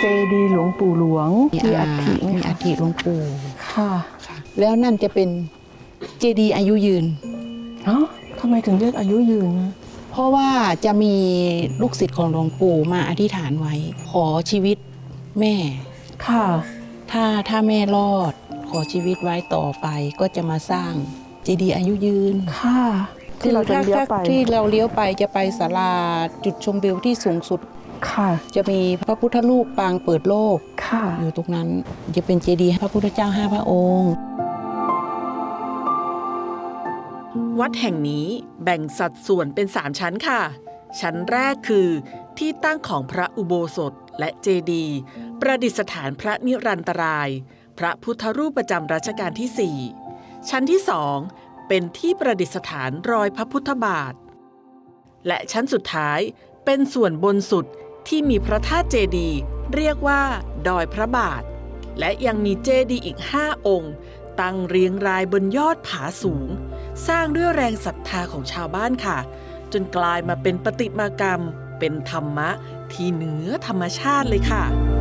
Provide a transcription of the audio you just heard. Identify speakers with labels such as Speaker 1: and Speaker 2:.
Speaker 1: เจดีย์หลวงปู่หลวงมีอัฐิไหม
Speaker 2: มี
Speaker 1: คะ
Speaker 2: อัฐิหลวงปู่
Speaker 1: ค่ะ
Speaker 2: แล้วนั่นจะเป็นเจดีย์อายุยืน
Speaker 1: เนาะทำไมถึงเรียกอายุยืนนะ
Speaker 2: เพราะว่าจะมีลูกศิษย์ของหลวงปู่มาอธิษฐานไว้ ขอชีวิตแม่
Speaker 1: ค่ะ
Speaker 2: ถ้าแม่รอด ขอชีวิตไว้ต่อไปก็จะมาสร้างเจดีย์อายุยืน
Speaker 1: ค่ะที่เราจะเลี้ยวไป
Speaker 2: ที่เราเลี้ยวไปจะไปศาลาจุดชมวิวที่สูงสุด
Speaker 1: ค่ะ
Speaker 2: จะมีพระพุทธรูปปางเปิดโลก
Speaker 1: ค่ะ
Speaker 2: อยู่ตรงนั้นจะเป็นเจดีย์พระพุทธเจ้า5 พระองค์
Speaker 3: วัดแห่งนี้แบ่งสัดส่วนเป็น 3 ชั้นค่ะ ชั้นแรกคือที่ตั้งของพระอุโบสถและเจดีย์ประดิษฐานพระนิรันตราย พระพุทธรูปประจำรัชกาลที่ 4 ชั้นที่ 2 เป็นที่ประดิษฐานรอยพระพุทธบาท และชั้นสุดท้ายเป็นส่วนบนสุดที่มีพระธาตุเจดีย์เรียกว่าดอยพระบาท และยังมีเจดีย์อีก 5 องค์ ตั้งเรียงรายบนยอดผาสูง สร้างด้วยแรงศรัทธาของชาวบ้านค่ะ จนกลายมาเป็นประติมากรรม เป็นธรรมะที่เหนือธรรมชาติเลยค่ะ